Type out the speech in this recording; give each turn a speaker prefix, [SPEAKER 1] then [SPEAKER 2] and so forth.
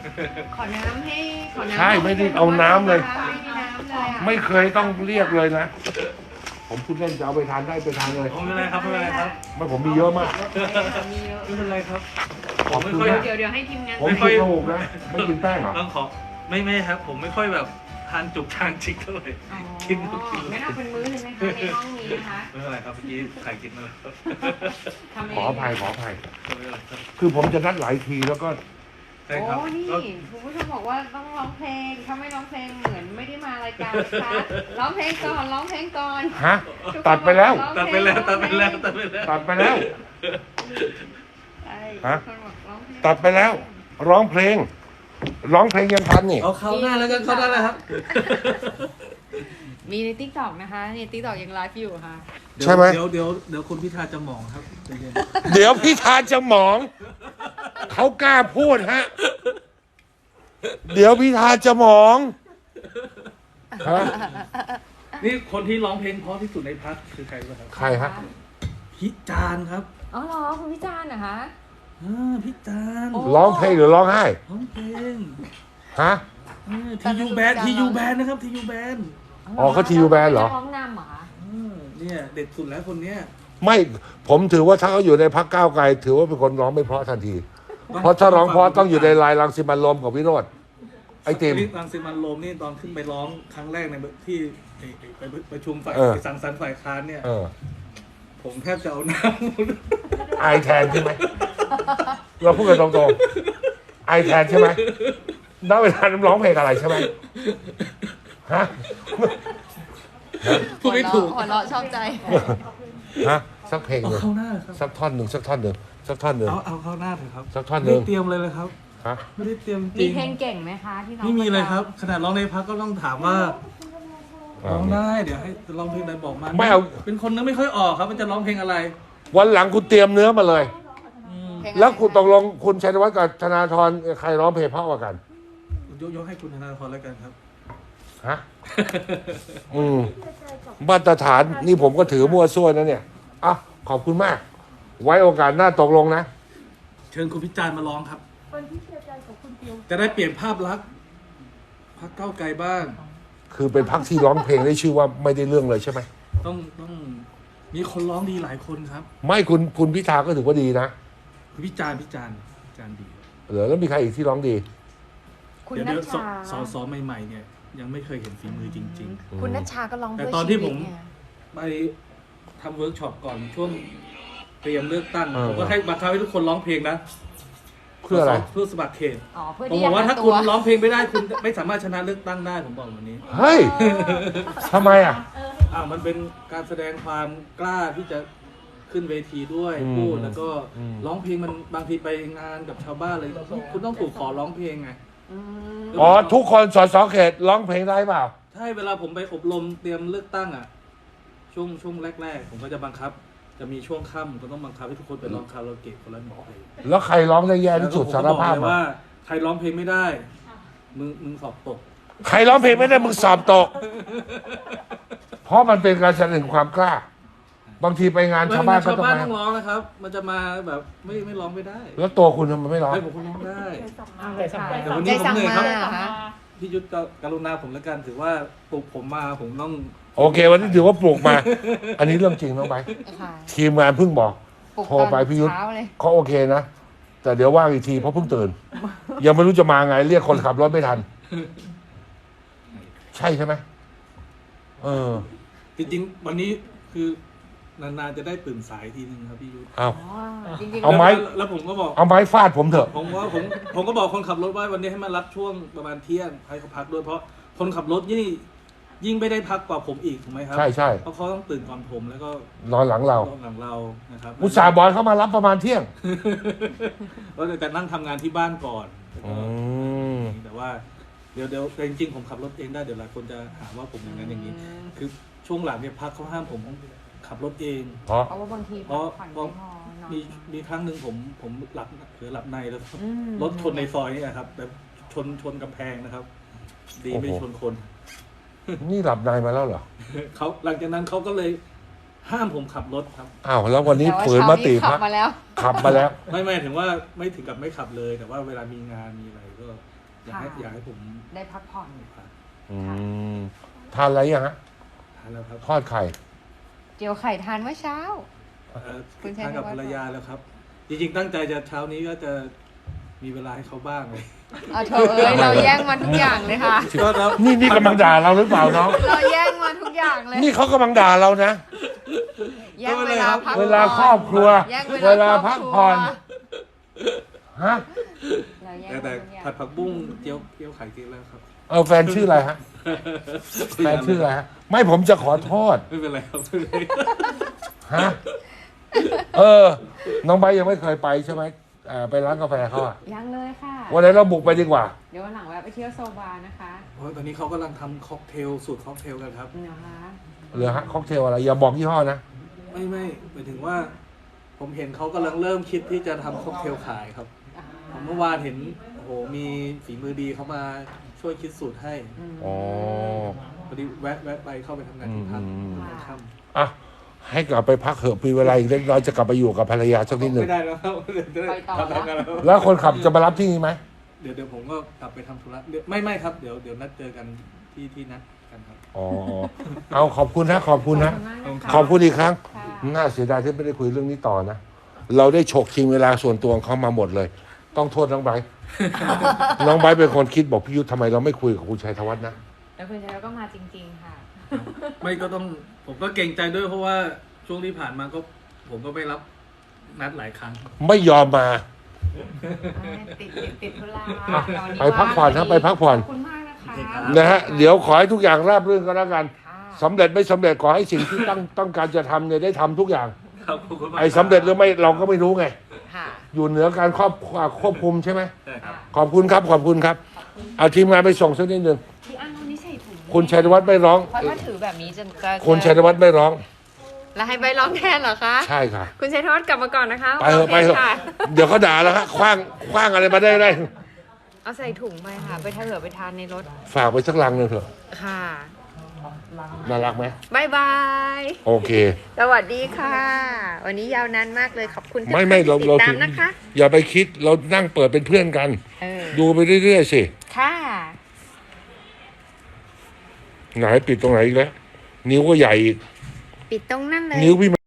[SPEAKER 1] ขอน้ำให้ขอน้ำ
[SPEAKER 2] ใช่ไม่ได้เอาน้ำเลย
[SPEAKER 1] ไม่มีน้ำเลยอ่ะ
[SPEAKER 2] ไม่เคยต้องเรียกเลยนะ ผมพูดเล่นจะเอาไปทานได้ไปทานเลย
[SPEAKER 3] ไม่เป็นไรครับไม่เป็นไรครับ
[SPEAKER 2] ไม่ผมมีเยอะมาก
[SPEAKER 1] มีเยอะ
[SPEAKER 3] ไม่เป็นไรครับ
[SPEAKER 2] ขอบคุณนะ
[SPEAKER 1] เดี๋ยวให้ทีมงาน
[SPEAKER 2] ผมกินข้าวหมกนะไม่กินแป้งเหรอ
[SPEAKER 3] ต้องขอไม่ครับ ผมไม่ค่อยแบบทานจุกทานจิกเท่าไหร่
[SPEAKER 1] อ๋อ
[SPEAKER 3] กินก็กิน
[SPEAKER 1] ไม่เอาเป็นมื้อเลยไหมคะในห้องนี้นะคะ
[SPEAKER 3] ไม่เป็นไรครับเมื่อกี้ไข่กินมาแล้ว
[SPEAKER 1] ทำเอง
[SPEAKER 3] ไม่เป็นไรครับ
[SPEAKER 2] คือผมจะนัดหลายทีแล้วก็
[SPEAKER 3] ใช่ครับ
[SPEAKER 1] โอ้นี่
[SPEAKER 3] ก็
[SPEAKER 1] คุณผู้ชมบอกว่าต้องร้องเพลงถ้าไม่ร้องเพลงเหมือนไม่ได้มารายการนะคะร้องเพลงก่อนร้องเพลงก่อน
[SPEAKER 2] ฮะตัดไปแล้ว
[SPEAKER 3] ตัดไปแล้วตัดไปแล้วตัดไปแล้ว
[SPEAKER 2] ตัดไปแล้ว
[SPEAKER 1] ใช่
[SPEAKER 2] ฮะ
[SPEAKER 1] คนบอกร้องเพลง
[SPEAKER 2] ตัดไปแล้ว ร้องเพลง ร้องเพลงยังทันนี่
[SPEAKER 3] เอาเข้าหน้าแล้วกันเข้าหน้าแล้วครับ
[SPEAKER 1] มีในทิกตอกนะคะในทิกตอกยังไลฟ์อยู่ค่ะ
[SPEAKER 2] ใช่ไหม
[SPEAKER 3] เดี๋ยวคุณพิธาจะหมองครับใจเย็น
[SPEAKER 2] เดี๋ยวพี่ทานจะหมอง เขากล้าพูดฮะ เดี๋ยวพี่ทานจะหมองฮะ
[SPEAKER 3] นี่คนที่ร้องเพลงเพราะที่สุดในพักคือใครบ้างครับ
[SPEAKER 2] ใครฮะ
[SPEAKER 3] พิจารณ์ครับ
[SPEAKER 1] อ๋อเหรอคุณพิจารณ์นะคะ
[SPEAKER 3] พิจารณ์
[SPEAKER 1] โอ้
[SPEAKER 2] ร้องเพลงหรือร้องไห้
[SPEAKER 3] ร้องเพลง
[SPEAKER 2] ฮะ
[SPEAKER 3] ทียูแบนนะครับทียูแบน
[SPEAKER 2] อ๋อเขา TU Band เหรอ
[SPEAKER 1] ร้องนำเหรอคะ
[SPEAKER 3] เนี่ยเด็ดสุดแล้วคนเนี้ย
[SPEAKER 2] ไม่ผมถือว่าถ้าเขาอยู่ในพักก้าวไกล ถือว่าเป็นคนร้องไม่เพราะทันที เพราะถ้าร้องเพราะต้องอยู่ในลายรังสิมันต์ลมกับวิโรธไอติม
[SPEAKER 3] รังสิมันต์โรมนี่ตอนขึ้นไปร้องครั้งแรกในที่ไปประชุมฝ่าย
[SPEAKER 2] เออ
[SPEAKER 3] สังสรรค์ฝ่ายค้านเนี่ย
[SPEAKER 2] เออ
[SPEAKER 3] ผมแทบจะเอาน้
[SPEAKER 2] ไอแทนใช่ไหมเราพูดกันตรงๆไอแทนใช่ไหมณเวลานั้นร้องเพลงอะไรใช่ไหมฮะ
[SPEAKER 3] ำพูดไม่ถูก
[SPEAKER 1] หัวเราะชอบใจ
[SPEAKER 2] ฮะสักเพลง
[SPEAKER 3] เอา
[SPEAKER 2] หนึ่ง
[SPEAKER 3] เข้าหน้าครับ
[SPEAKER 2] สักท่อนหนึ่งสักท่อนหนึ่งสักท่อนหนึ่ง
[SPEAKER 3] เอาเข้าหน้าเถอะครับ
[SPEAKER 2] สักท่อนห
[SPEAKER 3] ไม่
[SPEAKER 2] นึ่ง
[SPEAKER 3] ได้เตรียมเลยครับ
[SPEAKER 2] ฮะ
[SPEAKER 3] ไม่ได้เตรียมจ
[SPEAKER 1] มี
[SPEAKER 3] ริง
[SPEAKER 1] เพลงเก่งไหมคะที่น้อง
[SPEAKER 3] ไม่มีเลยครับ
[SPEAKER 1] ปะจ
[SPEAKER 3] ขนาดร้องในพักก็ต้องถามว่าร้องได้เดี๋ยวให้ร้องเพลงอะไรบอกมา
[SPEAKER 2] ไม่เอา
[SPEAKER 3] เป็นคนนึกไม่ค่อยออกครับมันจะร้องเพลงอะไร
[SPEAKER 2] วันหลังคุณเตรียมเนื้อมาเลย
[SPEAKER 1] ำเพงอะไร
[SPEAKER 2] แล้วคุณตกลงคุณชัยวัฒน์กับธนาธรใครร้องเพลงเพราะกว่ากัน
[SPEAKER 3] ยกให้คุณธนาธรแล้วกันครับ
[SPEAKER 2] ฮะ มาตรฐานนี่ผมก็ถือมั่วซั่วนะเนี่ยอ่ะขอบคุณมาก ไว้โอกาสหน้าตกลงนะ
[SPEAKER 3] เชิญคุณพิจารณ์มาร้องครับจะได้เปลี่ยนภาพลักษณ์พรรคก้าวไกลบ้าง
[SPEAKER 2] คือเป็นพักที่ร้องเพลงได้ชื่อว่าไม่ได้เรื่องเลยใช่ไหม
[SPEAKER 3] ต้องมีคนร้องดีหลายคนครับ
[SPEAKER 2] ไม่คุณพิธาก็ถือว่าดีนะ
[SPEAKER 3] คุณพิจารณ์ดี
[SPEAKER 2] เหรอแล้วมีใครอีกที่ร้องดี
[SPEAKER 1] คุณ
[SPEAKER 3] เดี๋ยว
[SPEAKER 1] นัช
[SPEAKER 3] ส
[SPEAKER 1] ชา
[SPEAKER 3] สใหม่ๆเนี่ยยังไม่เคยเห็นฝีมือจริง
[SPEAKER 1] คุณนัชชาก็ร้อง
[SPEAKER 3] แต่
[SPEAKER 1] ด้วย
[SPEAKER 3] ตอนที่
[SPEAKER 1] ชีวิ
[SPEAKER 3] ผม
[SPEAKER 1] เนี่ย
[SPEAKER 3] ๆ ไปทำเวิร์กช็อปก่อนช่วงเตรียมเลือกตั้ง
[SPEAKER 2] เออ
[SPEAKER 3] ผมก็ให้บังคับให้ทุกคนร้องเพลงนะ
[SPEAKER 2] เพื่ออะไร
[SPEAKER 3] เพื่อสมัครเขต
[SPEAKER 1] อ๋อเพื่อ
[SPEAKER 3] ผม
[SPEAKER 1] ที่
[SPEAKER 3] บอกว่า
[SPEAKER 1] จะห
[SPEAKER 3] ถ้า
[SPEAKER 1] ตั
[SPEAKER 3] คุณร้องเพลงไม่ได้คุณไม่สามารถชนะเลือกตั้งได้ผมบอกวันนี้
[SPEAKER 2] เฮ้ยทำไมอ่ะ
[SPEAKER 3] มันเป็นการแสดงความกล้าที่จะขึ้นเวทีด้วย
[SPEAKER 2] อืม
[SPEAKER 3] พูดแล้วก็
[SPEAKER 2] อืม
[SPEAKER 3] ร้องเพลงมันบางทีไปงานกับชาวบ้านเลยคุณต้องถูกขอร้องเพลงไง
[SPEAKER 1] อืม
[SPEAKER 2] อ๋อทุกคนสสเขตร้องเพลงได้เปล่า
[SPEAKER 3] ใช่เวลาผมไปอบรมเตรียมเลือกตั้งอ่ะช่วงแรกๆ ผมก็จะบังคับ จะมีช่วงค่ำก็ต้องบังคับให้ทุกคนไปร้องคาราโอเกะคนละหนึ่งเพลง
[SPEAKER 2] แล้วใครร้องได้แย่ที่สุด
[SPEAKER 3] แล้ว
[SPEAKER 2] สาร
[SPEAKER 3] ผมก็บอก
[SPEAKER 2] ภาพ
[SPEAKER 3] เลย
[SPEAKER 2] มา
[SPEAKER 3] ว่าใครร้องเพลงไม่ได้มึงสอบตก
[SPEAKER 2] ใครร้องเพลงไม่ได้มึงสอบตก เพราะมันเป็นการแสดงความกล้า บางทีไปงานชาวบ้านก็
[SPEAKER 3] ชาว
[SPEAKER 2] ต้อง
[SPEAKER 3] บ้าน
[SPEAKER 2] มา
[SPEAKER 3] ต้องร้องนะครับ มันจะมาแบบไม่ร้องไม่ได้
[SPEAKER 2] แล้วตัวคุณทำไมไม่ร้อง
[SPEAKER 3] ให้ผมคนร้องได้ แต่วัน
[SPEAKER 1] ใจ
[SPEAKER 3] นี้ผม
[SPEAKER 1] สั่ง
[SPEAKER 3] เหนื่อย
[SPEAKER 1] มา
[SPEAKER 3] ครับ
[SPEAKER 1] เหรอคะ
[SPEAKER 3] พี่ยุทธก็กรุณาผมแล้วกันถือว่าปลุกผมมาผมต้อง
[SPEAKER 2] โอเค วันนี้ถือว่าปลูกมา อันนี้เรื่องจริงน้องไป
[SPEAKER 1] ค่ะ
[SPEAKER 2] ทีมงานเพิ่งบอก
[SPEAKER 1] ปลุก
[SPEAKER 2] โทรไปพี่ยุทธ
[SPEAKER 1] เช้าเลย
[SPEAKER 2] เขาโอเคนะ แต่เดี๋ยวว่างอีกทีเพราะเพิ่งตื่น ยังไม่รู้จะมาไง เรียกคนขับรถไม่ทัน ใช่ไหมเออ
[SPEAKER 3] จริงๆวันนี้คือนานๆจะได้ตื่นสายทีนึงครับพี่ยุทธ
[SPEAKER 2] เอา
[SPEAKER 1] อ๋อจริงๆ
[SPEAKER 2] เอาไหม
[SPEAKER 3] แล้วผมก็บอก
[SPEAKER 2] เอาไม้ฟาดผมเถอะ
[SPEAKER 3] ผมก็บอกคนขับรถว่าวันนี้ให้มารับช่วงประมาณเที่ยงให้เขาพักด้วยเพราะคนขับรถยิ่งไม่ได้พักกว่าผมอีกถูกไหมครั
[SPEAKER 2] ใช่ใช่
[SPEAKER 3] เพราะเขาต้องตื่นก่อนผมแล้วก็
[SPEAKER 2] นอนหลังเรา
[SPEAKER 3] นอนหลังเรานะครับ
[SPEAKER 2] อุตส่าห์บอยเข้ามารับประมาณเที่ยง
[SPEAKER 3] แล้วแต่นั่งทำงานที่บ้านก่อนแล้วก็
[SPEAKER 2] ม
[SPEAKER 3] แต่ว่าเดี๋ยวแต่จริงๆผมขับรถเองได้เดี๋ยวหลายคนจะหาว่าผมอย่างนั้นอย่างนี้ คือช่วงหลังเนี่ยพักเขาห้ามผมขับรถเอง
[SPEAKER 2] เพราะ
[SPEAKER 1] เพราะว่าบางที
[SPEAKER 3] เพราะ
[SPEAKER 1] ผ่อนไม่พอนอน
[SPEAKER 3] มีครั้งหนึ่งผมหลับเผลอหลับในแล้ว
[SPEAKER 1] อืม
[SPEAKER 3] รถชนในซอยนี่นะครับแบบชนกำแพงนะครับ ดีไม่ชนคน
[SPEAKER 2] นี่หลับในมาแล้วเหรอ
[SPEAKER 3] เขาหลังจากนั้นเขาก็เลยห้ามผมขับรถครับ
[SPEAKER 2] อ้าวแล้ววันนี้
[SPEAKER 1] แต่ว่า
[SPEAKER 2] ฝืนมติ
[SPEAKER 1] เช้า
[SPEAKER 2] พั
[SPEAKER 1] ขั
[SPEAKER 2] ก
[SPEAKER 1] บมาแล้ว
[SPEAKER 2] ขับมาแล้ว
[SPEAKER 3] ไม่ถึงว่าไม่ถึงกับไม่ขับเลย แต่ว่าเวลามีงานมีอะไรก็อยากให้ผม
[SPEAKER 1] ได้พักผ่อน
[SPEAKER 2] อืมทานอะไรยังฮะ
[SPEAKER 3] ทานแล้วครับ
[SPEAKER 2] ทอดไข่
[SPEAKER 1] เจียวไข่ทานเมื่อเช้า คุณชัย
[SPEAKER 3] ทานกับ
[SPEAKER 1] ธวัฒน์
[SPEAKER 3] ภรรยาแล้วครับ จริงๆตั้งใจจะเช้านี้ก็จะมีเวลาให้เขาบ้างเลย
[SPEAKER 1] เธอเราแย่งมาทุกอย่างเลยค่ะ
[SPEAKER 3] ก็แล้ว
[SPEAKER 2] นี่กำลังด่าเราหรือเปล่าน้อง
[SPEAKER 1] เราแย่งมาทุกอย่างเลย
[SPEAKER 2] นี่เขากำลังด่าเรานะ
[SPEAKER 1] แย่งเวลาพัก
[SPEAKER 2] เวลาครอบครัว
[SPEAKER 1] แย่ง
[SPEAKER 2] เวลาพักผ่อนฮะ
[SPEAKER 1] เราแย่ง
[SPEAKER 3] แต่
[SPEAKER 1] ทุกอย่าง
[SPEAKER 3] ผัดผักบุ้งเจียวไข่กินแล้วครับ
[SPEAKER 2] แฟนชื่ออะไรฮะแฟนชื่ออะไรฮะ ไม่ผมจะขอโทษ
[SPEAKER 3] ไม่เป็นไรครับไม่เป็นไร
[SPEAKER 2] ฮะน้องใบร์ทยังไม่เคยไปใช่ไหมไปร้านกาแฟเขาอะ
[SPEAKER 1] ยังเลยค่ะ
[SPEAKER 2] วันไหนเราบุกไปดีกว่า
[SPEAKER 1] เดี๋ยววันหลังแวะไปเที่ยวโซบานะคะ
[SPEAKER 3] เพราะตอนนี้เขากำลังทำค็อกเทลสูตรค็อกเทลกันครับ
[SPEAKER 1] นะคะ
[SPEAKER 2] เหลือฮะค็อกเทลอะไรอย่าบอกยี่ห้อนะ
[SPEAKER 3] ไม่หมายถึงว่า ผมเห็นเขากำลังเริ่มคิดที่จะทำค็อกเทลขายครับ ผมเมื่อวานเห็นโอ้โหมีฝีมือดีเขามาช่วยคิดสูตรให้
[SPEAKER 2] อ๋อ
[SPEAKER 3] พอดีแวะไปเข้าไปทำงานที่พัก ค่ำ
[SPEAKER 2] อ่ะให้กลับไปพักเถอะมีเวลาอีกเล็กน้อยจะกลับไปอยู่กับภรรยาสักนิดหนึ่ง
[SPEAKER 3] ไม่ได้แล้วครับเดี๋ยวจะได้ทำงานแล้ว
[SPEAKER 2] แล้วคนขับจะมารับที่นี่ไหม
[SPEAKER 3] เดี๋ยวผมก็กลับไปทำธุระไม่ครับเดี๋ยวนัดเจอกันที่นัดกันครับ
[SPEAKER 2] อ๋อเอาขอบคุณนะขอบคุณนะ
[SPEAKER 1] ขอบคุณมากนะคะ
[SPEAKER 2] ขอบคุณอีกครั้ง
[SPEAKER 1] ค่ะ
[SPEAKER 2] น่าเสียดายที่ไม่ได้คุยเรื่องนี้ต่อนะ เราได้ฉกชิงเวลาส่วนตัวของเขามาหมดเลย ต้องโทษน้องไบร์ท น้องไบร์ทเป็นคนคิดบอกพี่ยุทธทำไมเราไม่คุยกับคุณชัยธวัฒน์นะ
[SPEAKER 1] แล้วคุณชัยก็มาจริงๆค่ะ
[SPEAKER 3] ไม่ก็ต้องผมก็เกรงใจด้วยเพราะว่าช่วงที่ผ่านมาก็ผมก็ไม่รับนัดหลายครั้ง
[SPEAKER 2] ไม่ยอมมา
[SPEAKER 1] ติดธุระ
[SPEAKER 2] อ่ะ
[SPEAKER 1] ตอนนี้
[SPEAKER 2] ไปพักผ่อนครับไปพักผ่อน
[SPEAKER 1] ขอบคุณมากนะคะ
[SPEAKER 2] นะฮะเดี๋ยวขอให้ทุกอย่างราบรื่นก็แล้วกัน
[SPEAKER 1] ค่ะ
[SPEAKER 2] สำเร็จไม่สำเร็จขอให้สิ่งที่ต้องการจะทำเนี่ยได้ทำทุกอย่าง
[SPEAKER 3] ครับขอบคุณมาก
[SPEAKER 2] ไอ้สำเร็จหรือไม่เราก็ไม่รู้ไง
[SPEAKER 1] ค่ะ
[SPEAKER 2] อยู่เหนือการควบคุมใช่ไหม
[SPEAKER 3] ใช่ครับ
[SPEAKER 2] ขอบคุณครับขอบคุณครับ เอาทีมงานไปส่งสักนิดหนึ่ง
[SPEAKER 1] พี่อันวันนี้ใส่ถุง
[SPEAKER 2] คุณชัยธวัฒน์ไม่ร้อง
[SPEAKER 1] เพราะถ้าถือแบบนี้จะ
[SPEAKER 2] คุณชัยธวัฒน์ไม่ร้อง
[SPEAKER 1] แล้วให้ใบร้องแทนเหรอคะ
[SPEAKER 2] ใช่ค่ะ
[SPEAKER 1] คุณชัยทวัฒน์กลับมาก่อนนะคะ
[SPEAKER 2] ไปเถอะไปเถอะ
[SPEAKER 1] ค่ะ
[SPEAKER 2] เดี๋ยวเขาด่าแล้วฮะคว้างอะไรมาได้
[SPEAKER 1] เอาใส่ถุงไปค่ะ ไปเถอะไปทานในรถ
[SPEAKER 2] ฝากไปสักลังหนึ่งเถอะ
[SPEAKER 1] ค่ะ
[SPEAKER 2] น่ารักไหม
[SPEAKER 1] บายบาย
[SPEAKER 2] โอเค
[SPEAKER 1] สวัสดีค่ะ วันนี้ยาวนานมากเลยขอบคุณทุก
[SPEAKER 2] ไม่
[SPEAKER 1] ท่าน
[SPEAKER 2] เรา
[SPEAKER 1] ที่ติ
[SPEAKER 2] เรา
[SPEAKER 1] ดตา
[SPEAKER 2] ถึ
[SPEAKER 1] ม
[SPEAKER 2] ง
[SPEAKER 1] นะคะ
[SPEAKER 2] อย่าไปคิดเรานั่งเปิดเป็นเพื่อนกัน ดูไปเรื่อยๆสิ
[SPEAKER 1] ค่ะ
[SPEAKER 2] ไหนปิดตรงไหนอีกแล้วนิ้วก็ใหญ่อีก
[SPEAKER 1] ปิดตรงนั่นเลย
[SPEAKER 2] นิ้วพี่